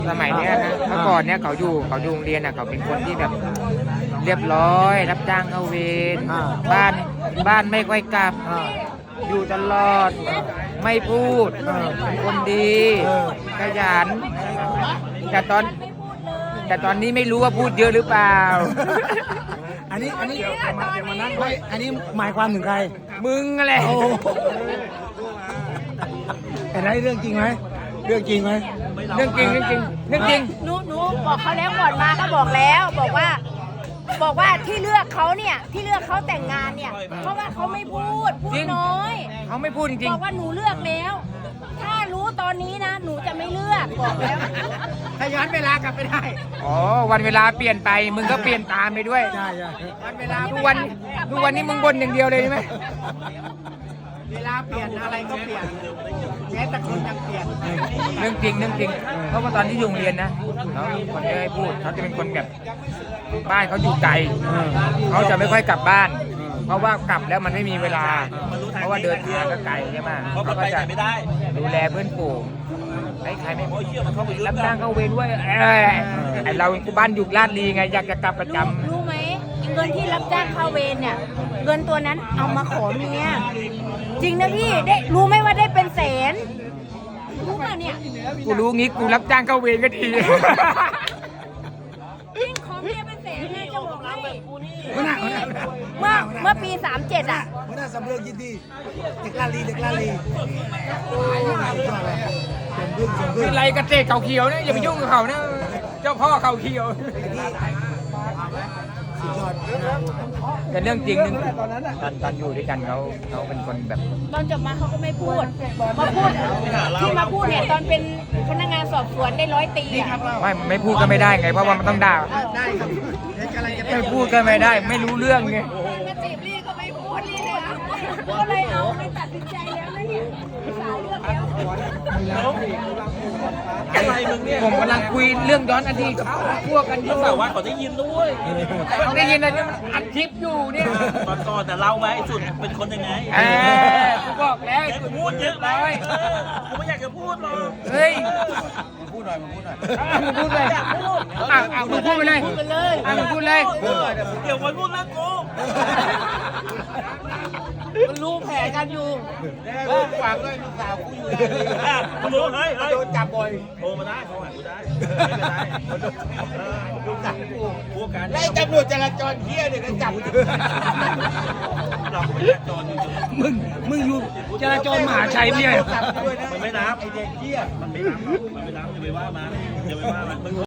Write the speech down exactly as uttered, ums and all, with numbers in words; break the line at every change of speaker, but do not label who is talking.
สมัยเนี้ยนะเมื่อก่อนเนี้ยเขาอยู่เขาอยู่โรงเรียนอ่ะเขาเป็นคนที่แบบเรียบร้อยรับจ้างเข้าเวรบ้านบ้านไม่ค่อยกลับอยู่ตลอดไม่พูดเป็นคนดีขยันแต่ตอนแต่ตอนนี้ไม่รู้ว่าพูดเยอะหรือเปล่า
อันนี้อันนี้ไม่อันนี้หมายความถึงใคร
มึงอะไร
โอ้แต่ได้เรื่องจริงไหมเรื่องจริงไหม
เรื่องจริงเรื่องจริงเรื่องจริง
หนูหนูบอกเขาแล้วก่อนมาก็บอกแล้วบอกว่า บอกว่าที่เลือกเขาเนี่ยที่เลือกเขาแต่งงานเนี่ยเพราะว่าเขาไม่พูดพูดน้อย
เขาไม่พูดจริง
บอกว่าหนูเลือกแล้ว ถ้ารู้ตอนนี้นะหนูจะไม่เลือกบอกแล้ว
ถ้าย้อนเวลากลับไปได้
ๆอ๋อวันเวลาเปลี่ยนไปมึงก็เปลี่ยนตามไปด้วย
ใช่ใช่
วันเวลาทุกวันทุกวันนี้มึงบ่นอย่างเดียวเลยใช่ไหม
เวลาเปลี่ยนอะไรก็เปลี่ยนแม้แต่คนยังเปลี่ยน
เรื่องจริงเรื่องจริงเพราะว่าตอนที่อยู่โรงเรียนนะเขาคนไม่ได้พูดเขาจะเป็นคนแบบบ้านเขาอยู่ไกลเขาจะไม่ค่อยกลับบ้าน เพราะว่ากลับแล้วมันไม่มีเวลา เพราะว่าเดินทางก็ไกลใช่ไหมเขาก็จะดูแลเพื่อนฝูงไอ้ใครไม่รับจ้างเข้าเวรด้วยเอ้ยไอ้เราบ้านอยู่ลาดลีไงอยากจะกลับประจำ
รู้ไหมเงินที่รับจ้างเข้าเวรเนี่ยเงินตัวนั้นเอามาขอเมียจริงนะพี่ได้รู้ไหมว่าได้เป็นแสนรู้ป่ะเนี่ย
กูรู้งี้กูรับจ้างเข้าเวรก็ดี
จริงขอเมียเป็นแสนนะจะบอกให้
หัวหน้าหัวหน้า
เมื่อเมื่อปีสามเจ็ดอ่ะ
หัวหน้าสำเริงยินดีเด็กลาลีเด็กลาลีเป็นพึ่งเป็นพึ่
คื
ง
อไรกระเตะเขาเขียวนะอย่าไปยุ่งกับเขานะเจ้าพ่อเขาเขียว
สุดยอด
แต่เรื่องจริงนึงตอนตอนอยู่ด้วยกันเขาเขาเป็นคนแบบ
ตอนจบมาเขาก็ไม่พูดมาพูดที่มาพูดเนี่ยตอนเป็นพนักงานสอบสวนได้ร้อยตีอ่ะ
ไม่ไม่พูดก็ไม่ได้ไงเพราะว่ามันต้องด่า
ได้ครับเด็กอะไรจะ
ไม่พูดก็ไม่ได้ ไม่รู้เรื่องไง
มาจีบลี่ก็ไม่พูดลี่เลยอ่ะก็เลยเอาไปตัดสินใจแล้วนะเนี่ยสาวเลือกแล้ว
อะไรมึงเนี่ย
ผมกำลังคุยเรื่องย้อนอดีตกับพวกกันอยู่
แต่ว่าเขาได้ยินด้วย
เขาได้ยินอะไรมันอัดคลิปอยู่เนี่ย
ตอนก่อนแต่เล่าไหมไอ้สุดเป็นคนยังไง
เออกูบอกแล้ว
แกกูพูดเยอะไหมเออกูไม่อยากจะพูดหรอก
เฮ้ย
พูดหน่อยพูดหน่อย
อ่ะมึงพูดเลยอ่ะอ่ะมึงพูดไปเลย
พูดไปเลย
อ่ะมึงพูดเลย
เดี๋ยววันพูดเรื่องกู
มันรู้แผลกันอยู่ฝากด้วยลูกสาวกูอยู่
อ่ะมึงรู้เฮ้ยเฮ้ย
โดนจับบ่อย
โทรมาได้โทรหากูได้ไม่เป็นไรเออ
ลูกสาวกู
พูดกัน
ไล่ตำรวจจราจรเที่ยเนี่ยก็จับ
เราก็ไม่ได้จอดอยู่
มึงมึงอยู่จราจรมหาชัยไม่ใช่
มันไม่นับ
ไอเด็กเที่ย
มันไม่นับหรอกมันไม่นับอย่าไปว่ามันอย่าไปว่ามัน